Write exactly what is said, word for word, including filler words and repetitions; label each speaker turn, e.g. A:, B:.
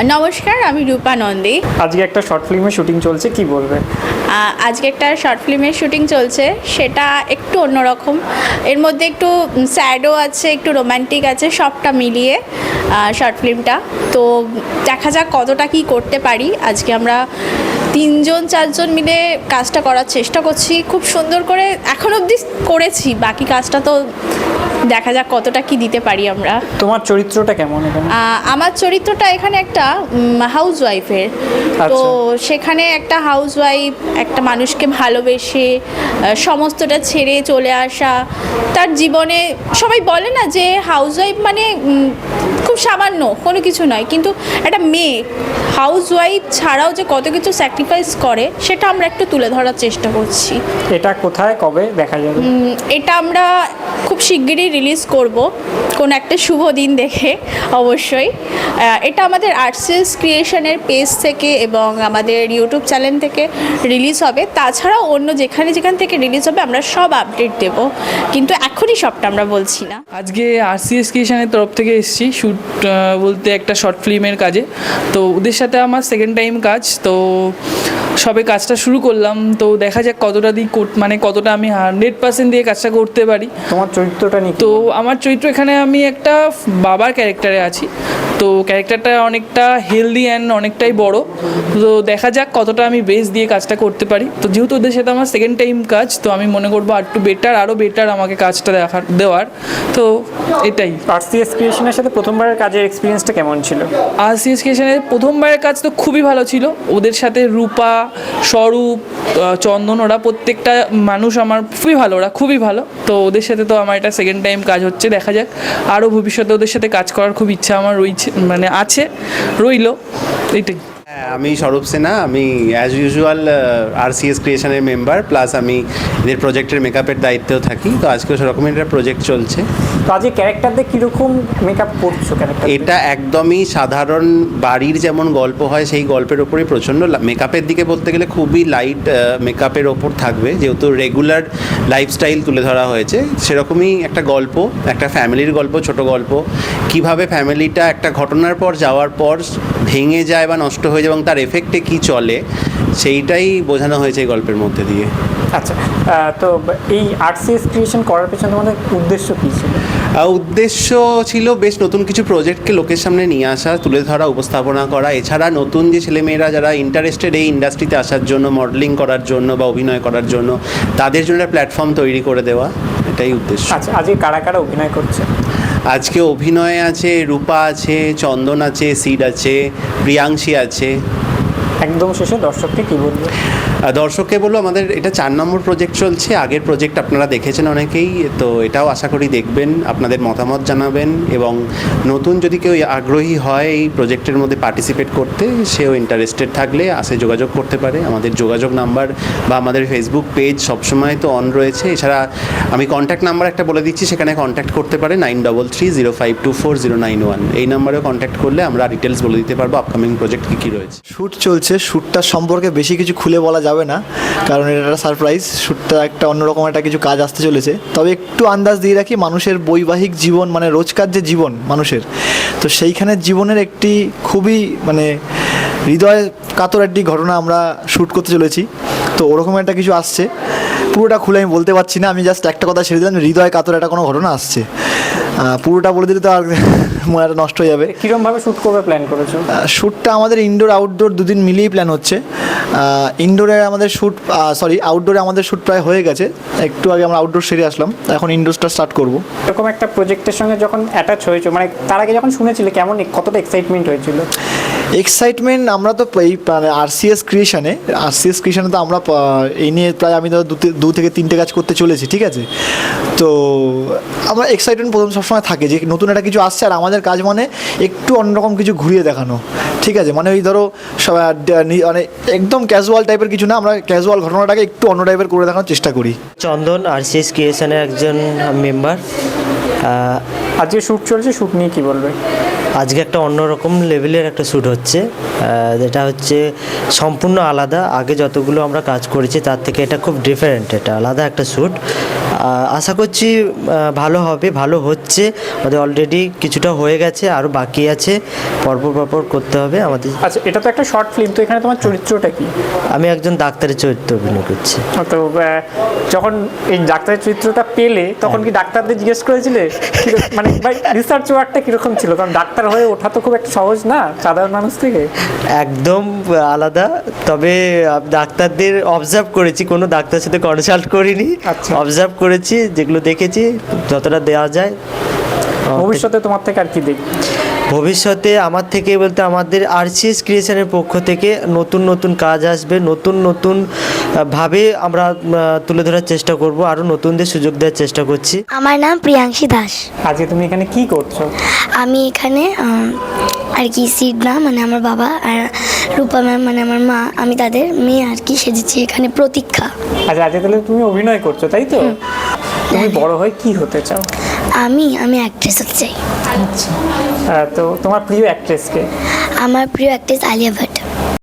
A: নমস্কার, আমি রূপা নন্দী।
B: আজকে একটা শর্ট ফিল্মের শুটিং চলছে, কি বলবে?
A: আজকে একটা শর্ট ফিল্মের শুটিং চলছে, সেটা একটু অন্যরকম। এর মধ্যে একটু স্যাডও আছে, একটু রোম্যান্টিক আছে, সবটা মিলিয়ে শর্ট ফিল্মটা। তো দেখা যাক কতটা কি করতে পারি। আজকে আমরা তিনজন চারজন মিলে কাজটা করার চেষ্টা করছি, খুব সুন্দর করে এখন অবধি করেছি। বাকি কাজটা তো দেখা যাক কতটা কি দিতে পারি আমরা।
B: তোমার চরিত্রটা কেমন এখানে?
A: আমার চরিত্রটা এখানে একটা হাউস ওয়াইফের। তো সেখানে একটা হাউস ওয়াইফ একটা মানুষকে ভালোবেসে সমস্তটা ছেড়ে চলে আসা, তার জীবনে সবাই বলে না যে হাউস ওয়াইফ মানে খুব সামান্য কোনো কিছু নয়, কিন্তু একটা মেয়ে হাউস ওয়াইফ ছাড়াও যে কত কিছু স্যাক্রিফাইস করে সেটা আমরা একটু তুলে ধরার চেষ্টা করছি।
B: এটা কোথায় কবে দেখা যাবে?
A: এটা আমরা খুব শিগগিরই রিলিজ করব, কোন একটা শুভ দিন দেখে অবশ্যই। এটা আমাদের আর্টসিএস ক্রিয়েশনের পেজ থেকে এবং আমাদের ইউটিউব চ্যানেল থেকে রিলিজ হবে। তাছাড়াও অন্য যেখানে যেখান থেকে রিলিজ হবে আমরা সব আপডেট দেব, কিন্তু এখনই সবটা আমরা বলছি না।
C: আজকে আরসিএস ক্রিয়েশনের তরফ থেকে এসেছি শ্যুট বলতে একটা শর্ট ফিল্মের কাজে। তো ওদের সাথে আমার সেকেন্ড টাইম কাজ, তো সবে কাজটা শুরু করলাম। তো দেখা যাক কতটা দিক মানে কতটা আমি হান্ড্রেড পার্সেন্ট দিয়ে কাজটা করতে পারি।
B: তোমার চরিত্রটা নিয়ে?
C: তো আমার চরিত্র এখানে আমি একটা বাবার ক্যারেক্টারে আছি। তো ক্যারেক্টারটা অনেকটা হেলদি অ্যান্ড অনেকটাই বড়। তো দেখা যাক কতটা আমি বেস দিয়ে কাজটা করতে পারি। তো যেহেতু ওদের সাথে আমার সেকেন্ড টাইম কাজ, তো আমি মনে করবো আর একটু বেটার আরও বেটার আমাকে কাজটা দেখার দেওয়ার। তো এটাই।
B: আরসিএস ক্রিয়েশনের সাথে প্রথমবারের কাজের এক্সপিরিয়েন্সটা কেমন ছিল?
C: আরসিএস ক্রিয়েশনের প্রথমবারের কাজ তো খুবই ভালো ছিল। ওদের সাথে রূপা, স্বরূপ, চন্দন, ওরা প্রত্যেকটা মানুষ আমার খুবই ভালো, ওরা খুবই ভালো। তো ওদের সাথে তো আমার এটা সেকেন্ড টাইম কাজ হচ্ছে। দেখা যাক আরও ভবিষ্যতে ওদের সাথে কাজ করার খুব ইচ্ছা আমার রয়েছে, মানে আছে, রইল, এইটাই।
D: হ্যাঁ, আমি স্বরূপ সিনহা। আমি অ্যাজ ইউজুয়াল আরসিএস ক্রিয়েশনের মেম্বার, প্লাস আমি এদের প্রজেক্টের মেকআপের দায়িত্বেও থাকি। তো আজকেও সেরকমের একটা প্রজেক্ট চলছে।
B: তো আজকে ক্যারেক্টারদের কীরকম মেকআপ করছো? ক্যারেক্টার
D: এটা একদমই সাধারণ বাড়ির যেমন গল্প হয় সেই গল্পের ওপরই প্রচণ্ড মেকআপের দিকে বলতে গেলে খুবই লাইট মেকআপের ওপর থাকবে, যেহেতু রেগুলার লাইফস্টাইল তুলে ধরা হয়েছে। সেরকমই একটা গল্প, একটা ফ্যামিলির গল্প, ছোট গল্প, কিভাবে ফ্যামিলিটা একটা ঘটনার পর যাওয়ার পর ভেঙে যায় বা নষ্ট হয়ে যায় এবং তার এফেক্টে কী চলে সেইটাই বোঝানো হয়েছে এই গল্পের মধ্যে দিয়ে।
B: আচ্ছা, তো এই আরসিএস ক্রিয়েশন করার পেছনে তোমাদের উদ্দেশ্য কী ছিল?
D: উদ্দেশ্য ছিল বেশ নতুন কিছু প্রজেক্টকে লোকের সামনে নিয়ে আসা, তুলে ধরা, উপস্থাপনা করা। এছাড়া নতুন যে ছেলেমেয়েরা যারা ইন্টারেস্টেড এই ইন্ডাস্ট্রিতে আসার জন্য, মডেলিং করার জন্য বা অভিনয় করার জন্য, তাদের জন্য একটা প্ল্যাটফর্ম তৈরি করে দেওয়া, এটাই উদ্দেশ্য।
B: আচ্ছা, আজকে কারা কারা অভিনয় করছে?
D: আজকে অভিনয়ে আছে রূপা আছে, চন্দন আছে, সিড আছে, প্রিয়াংশী আছে।
B: একদম শেষে দর্শককে কী বলবো?
D: দর্শককে বলবো আমাদের এটা চার নম্বর প্রজেক্ট চলছে। আগের প্রজেক্ট আপনারা দেখেছেন অনেকেই, তো এটাও আশা করি দেখবেন, আপনাদের মতামত জানাবেন, এবং নতুন যদি কেউ আগ্রহী হয় এই প্রজেক্টের মধ্যে পার্টিসিপেট করতে, সেও ইন্টারেস্টেড থাকলে আসে যোগাযোগ করতে পারে। আমাদের যোগাযোগ নাম্বার বা আমাদের ফেসবুক পেজ সবসময় তো অন রয়েছে। এছাড়া আমি কন্ট্যাক্ট নাম্বার একটা বলে দিচ্ছি, সেখানে কন্ট্যাক্ট করতে পারে nine double three zero five two four zero nine one. এই নাম্বারেও কন্ট্যাক্ট করলে আমরা ডিটেলস বলে দিতে পারবো আপকামিং প্রজেক্ট কী কী রয়েছে।
E: শ্যুট চলছে, শ্যুটটার সম্পর্কে বেশি কিছু খুলে বলা যাবে না, কারণ এটা একটা সারপ্রাইজ। শ্যুটটা একটা অন্যরকম একটা কিছু কাজ আসতে চলেছে। তবে একটু আন্দাজ দিয়ে রাখি, মানুষের বৈবাহিক জীবন মানে রোজকার যে জীবন মানুষের, তো সেইখানের জীবনের একটি খুবই মানে হৃদয় কাতর একটি ঘটনা আমরা শ্যুট করতে চলেছি। তো ওরকম একটা কিছু আসছে, পুরোটা খুলে আমি বলতে পারছি না। আমি জাস্ট একটা কথা ছেড়ে দিলাম, হৃদয় কাতর একটা কোনো ঘটনা আসছে। পুরোটা বলে দিলে তো আর মনটা নষ্ট হয়ে যাবে।
B: কীরকমভাবে শ্যুট করবে প্ল্যান করেছো?
E: শ্যুটটা আমাদের ইনডোর আউটডোর দুদিন মিলিয়েই প্ল্যান হচ্ছে। ইনডোরে আমাদের শ্যুট সরি আউটডোরে আমাদের শ্যুট প্রায় হয়ে গেছে। একটু আগে আমরা আউটডোর সেরে আসলাম, এখন ইনডোরটা স্টার্ট করবো।
B: এরকম একটা প্রজেক্টের সঙ্গে যখন অ্যাটাচ হয়েছে, মানে তার আগে যখন শুনেছিলে কেমন, কতটা এক্সাইটমেন্ট হয়েছিল?
E: এক্সাইটমেন্ট আমরা তো এই মানে আরসিএস ক্রিয়েশনে আরসিএস ক্রিয়েশনে তো আমরা এই নিয়ে প্রায় আমি তো দু থেকে তিনটে কাজ করতে চলেছি, ঠিক আছে। তো আমরা এক্সাইটমেন্ট প্রথম সবসময় থাকে যে নতুন একটা কিছু আসছে, আর আমাদের কাজ মানে একটু অন্যরকম কিছু ঘুরিয়ে দেখানো, ঠিক আছে। মানে ওই ধরো মানে একদম ক্যাজুয়াল টাইপের কিছু না, আমরা ক্যাজুয়াল ঘটনাটাকে একটু অন্য টাইপের করে দেখানোর চেষ্টা করি।
F: চন্দন, আরসিএস ক্রিয়েশনের একজন মেম্বার।
B: আজকে শ্যুট চলছে, শ্যুট নিয়ে কী বলবে?
F: আজকে একটা অন্যরকম লেভেলের একটা শ্যুট হচ্ছে, আহ, যেটা হচ্ছে সম্পূর্ণ আলাদা। আগে যতগুলো আমরা কাজ করেছি তার থেকে এটা খুব ডিফারেন্ট, এটা আলাদা একটা শ্যুট। আশা করছি আহ, ভালো হবে, ভালো হচ্ছে। আমাদের অলরেডি কিছুটা হয়ে গেছে, আরও বাকি আছে, পরপর পরপর করতে হবে আমাদের।
B: আচ্ছা, এটা তো একটা শর্ট ফিল্ম, তো এখানে তোমার চরিত্রটা কি?
F: আমি একজন ডাক্তারের চরিত্র অভিনয় করছি।
B: তো আহ, যখন এই ডাক্তারের চরিত্রটা পেলে তখন কি ডাক্তারদের জিজ্ঞেস করেছিলে কি- মানে রিসার্চ ওয়ার্কটা কিরকম ছিল? কারণ ডাক্তার হয়ে ওঠা তো খুব একটা সহজ না সাধারণ মানুষ থেকে।
F: একদম আলাদা, তবে আহ, ডাক্তারদের অবজার্ভ করেছি, কোনো ডাক্তারের সাথে কনসাল্ট করিনি,
B: আচ্ছা।
F: অবজার্ভ করেছি, যেগুলো দেখেছি যতটা দেওয়া যায়।
B: ভবিষ্যতে তোমার থেকে আর কি দেখবে?
F: ভবিষ্যতে আমার থেকে বলতে আমাদের আরসিএস ক্রিয়েশনের পক্ষ থেকে নতুন নতুন কাজ আসবে, নতুন নতুন আহ, ভাবে আমরা আহ, তুলে ধরার চেষ্টা করব, আরও নতুনদের সুযোগ দেওয়ার চেষ্টা করছি।
G: আমার নাম প্রিয়াংশী দাস।
B: আজকে তুমি এখানে কি করছো?
G: আমি এখানে আম, আর কি সিডনা মানে আমার বাবা আর রূপা ম্যাম মানে আমার মা, আমি তাদের মেয়ে আর কি সেজেছি এখানে প্রতীক্ষা।
B: আচ্ছা, আজকে তাহলে তুমি অভিনয় করছো, তাই তো? তুমি বড় হয়ে কি হতে চাও?
G: আমি আমি অ্যাক্ট্রেস হতে চাই।
B: আচ্ছা, আহ, তো তোমার প্রিয় অ্যাক্ট্রেসকে?
G: আমার প্রিয় অ্যাক্ট্রেস আলিয়া ভাট।